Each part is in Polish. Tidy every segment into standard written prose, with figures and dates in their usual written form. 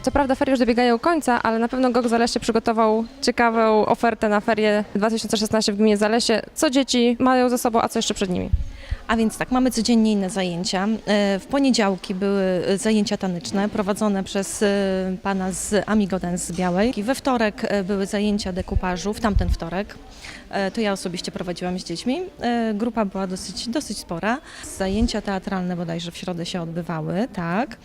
Co prawda ferie już dobiegają końca, ale na pewno GOG Zalesie przygotował ciekawą ofertę na ferie 2016 w gminie Zalesie. Co dzieci mają ze sobą, a co jeszcze przed nimi? A więc tak, mamy codziennie inne zajęcia. W poniedziałki były zajęcia taneczne prowadzone przez pana z Amigo Dance z Białej. We wtorek były zajęcia dekupażu, w tamten wtorek. To ja osobiście prowadziłam z dziećmi. Grupa była dosyć spora. Zajęcia teatralne bodajże w środę się odbywały, tak.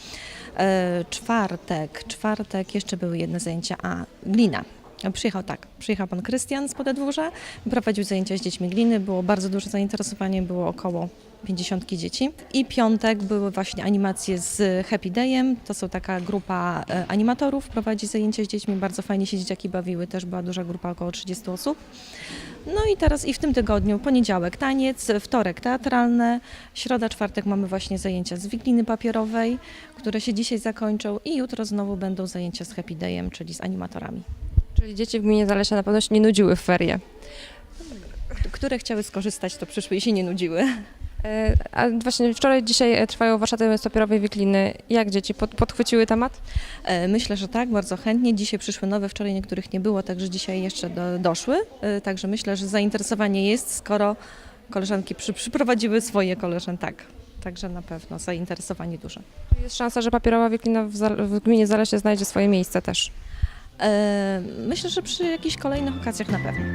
Czwartek jeszcze były jedne zajęcia, glina. Przyjechał pan Krystian z Podedwórza, prowadził zajęcia z dziećmi gliny, było bardzo duże zainteresowanie, było około 50 dzieci. I piątek były właśnie animacje z Happy Dayem, to są taka grupa animatorów, prowadzi zajęcia z dziećmi, bardzo fajnie się dzieciaki bawiły, też była duża grupa, około 30 osób. No i teraz i w tym tygodniu poniedziałek taniec, wtorek teatralne, środa, czwartek mamy właśnie zajęcia z wikliny papierowej, które się dzisiaj zakończą i jutro znowu będą zajęcia z Happy Dayem, czyli z animatorami. Czyli dzieci w gminie Zalesia na pewno się nie nudziły w ferie. Które chciały skorzystać, to przyszły i się nie nudziły. A właśnie dzisiaj trwają warsztaty z papierowej wikliny. Jak dzieci podchwyciły temat? Myślę, że tak, bardzo chętnie. Dzisiaj przyszły nowe, wczoraj niektórych nie było, także dzisiaj jeszcze doszły. Także myślę, że zainteresowanie jest, skoro koleżanki przyprowadziły swoje koleżanki, tak. Także na pewno zainteresowanie duże. Jest szansa, że papierowa wiklina w gminie Zalesie znajdzie swoje miejsce też. Myślę, że przy jakichś kolejnych okazjach na pewno.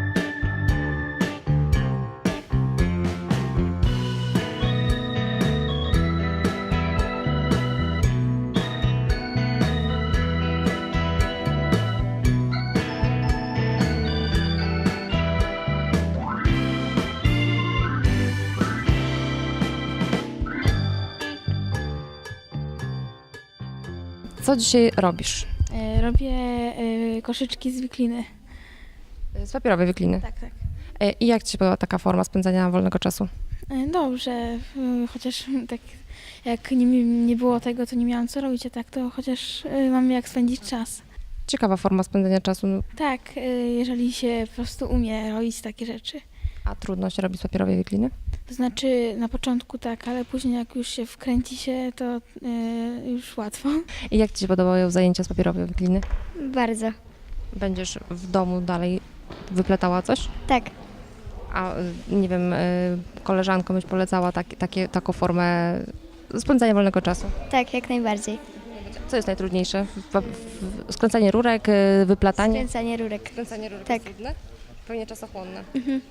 Co dzisiaj robisz? Robię koszyczki z wikliny. Z papierowej wikliny. Tak, tak. I jak Ci się podoba taka forma spędzania wolnego czasu? Dobrze, chociaż tak jak nie było tego, to nie miałam co robić, a tak to chociaż mam jak spędzić czas. Ciekawa forma spędzania czasu, Tak, jeżeli się po prostu umie robić takie rzeczy. a trudno się robi z papierowej wikliny? To znaczy na początku tak, ale później jak już się wkręci się, to już łatwo. I jak Ci się podobają zajęcia z papierowej wikliny? Bardzo. Będziesz w domu dalej wypletała coś? Tak. A nie wiem, koleżankom byś polecała taką formę spędzania wolnego czasu? Tak, jak najbardziej. Co jest najtrudniejsze? Skręcanie rurek, wyplatanie? Skręcanie rurek. Skręcanie rurek Tak. jest trudne? Pewnie czasochłonne.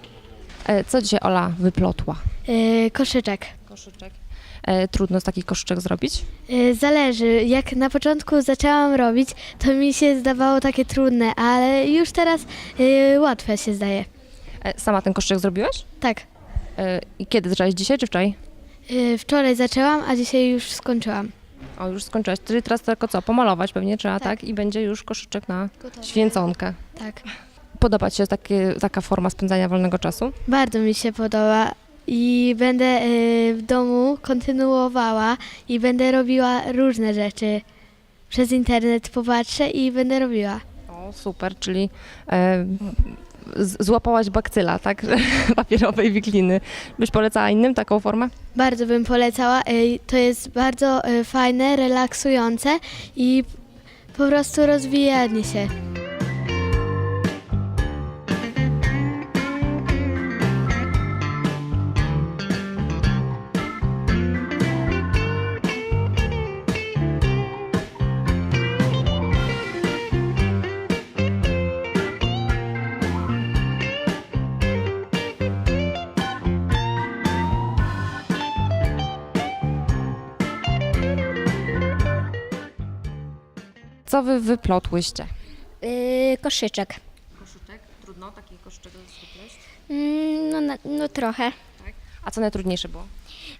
Co dzisiaj Ola wyplotła? Koszyczek. Koszyczek. Trudno z takich koszyczek zrobić? Zależy. Jak na początku zaczęłam robić, to mi się zdawało takie trudne, ale już teraz łatwe się zdaje. Sama ten koszyczek zrobiłaś? Tak. I kiedy zaczęłaś? Dzisiaj czy wczoraj? Wczoraj zaczęłam, a dzisiaj już skończyłam. O, już skończyłaś. Czyli teraz tylko co? Pomalować pewnie trzeba, tak? Tak. I będzie już koszyczek na Gotowe. święconkę. Tak. Podoba Ci się taka forma spędzania wolnego czasu? Bardzo mi się podoba i będę w domu kontynuowała i będę robiła różne rzeczy. Przez internet popatrzę i będę robiła. O, super, czyli złapałaś bakcyla, tak? Papierowej wikliny. Byś polecała innym taką formę? Bardzo bym polecała. To jest bardzo fajne, relaksujące i po prostu rozwijanie się. Co wy wyplotłyście? Koszyczek. Koszyczek? Trudno taki koszyczek wypleść? No trochę. A co najtrudniejsze było?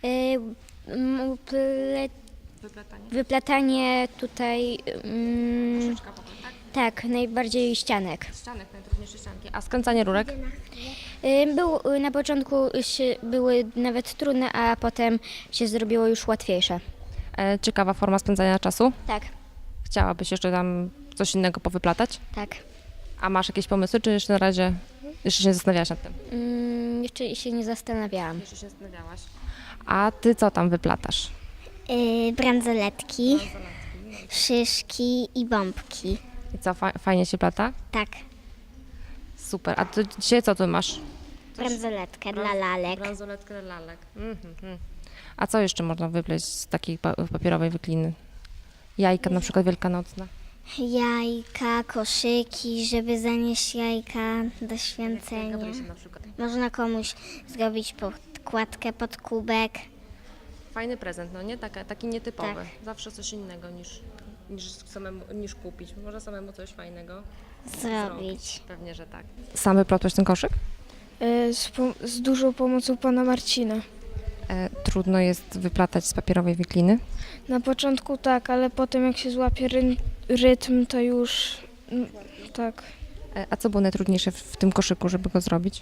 Wyplatanie? Wyplatanie tutaj, Koszyczka potem, tak? tak, najbardziej ścianek. Ścianek, najtrudniejsze ścianki. A skręcanie rurek? Na początku były nawet trudne, a potem się zrobiło już łatwiejsze. Ciekawa forma spędzania czasu. Tak, Chciałabyś jeszcze tam coś innego powyplatać? tak. A masz jakieś pomysły, czy jeszcze na razie jeszcze się nie zastanawiałaś nad tym? Jeszcze się nie zastanawiałam. Jeszcze się zastanawiałaś. A ty co tam wyplatasz? Bransoletki. szyszki i bombki. I co, fajnie się plata? Tak, Super. A to dzisiaj co tu masz? bransoletkę dla lalek. Bransoletkę dla lalek. A co jeszcze można wypleść z takiej papierowej wykliny? Jajka na przykład wielkanocne. Jajka, koszyki, żeby zanieść jajka do święcenia. Na przykład. Można komuś zrobić podkładkę pod kubek. Fajny prezent, no nie? Taki nietypowy. Tak. Zawsze coś innego niż kupić. Można samemu coś fajnego Zrobić. Pewnie, że tak. Sam wyplotłeś ten koszyk? Z dużą pomocą pana Marcina. Trudno jest wyplatać z papierowej wikliny. Na początku tak, ale potem jak się złapie rytm, to już tak. A co było najtrudniejsze w tym koszyku, żeby go zrobić?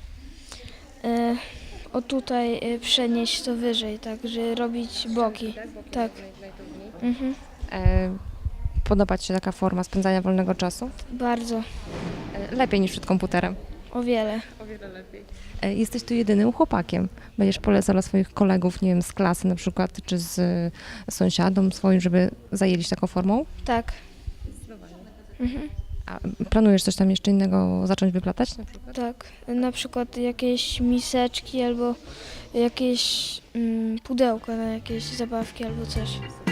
O tutaj przenieść to wyżej, tak, że robić boki. Tak. Mhm. Podoba Ci się taka forma spędzania wolnego czasu? Bardzo, Lepiej niż przed komputerem. o wiele. Jesteś tu jedynym chłopakiem. Będziesz polecał dla swoich kolegów, nie wiem, z klasy na przykład, czy z sąsiadom swoim, żeby zajęli się taką formą? Tak. Mhm. A planujesz coś tam jeszcze innego zacząć wyplatać na przykład? Tak. Na przykład jakieś miseczki albo jakieś pudełko na jakieś zabawki albo coś.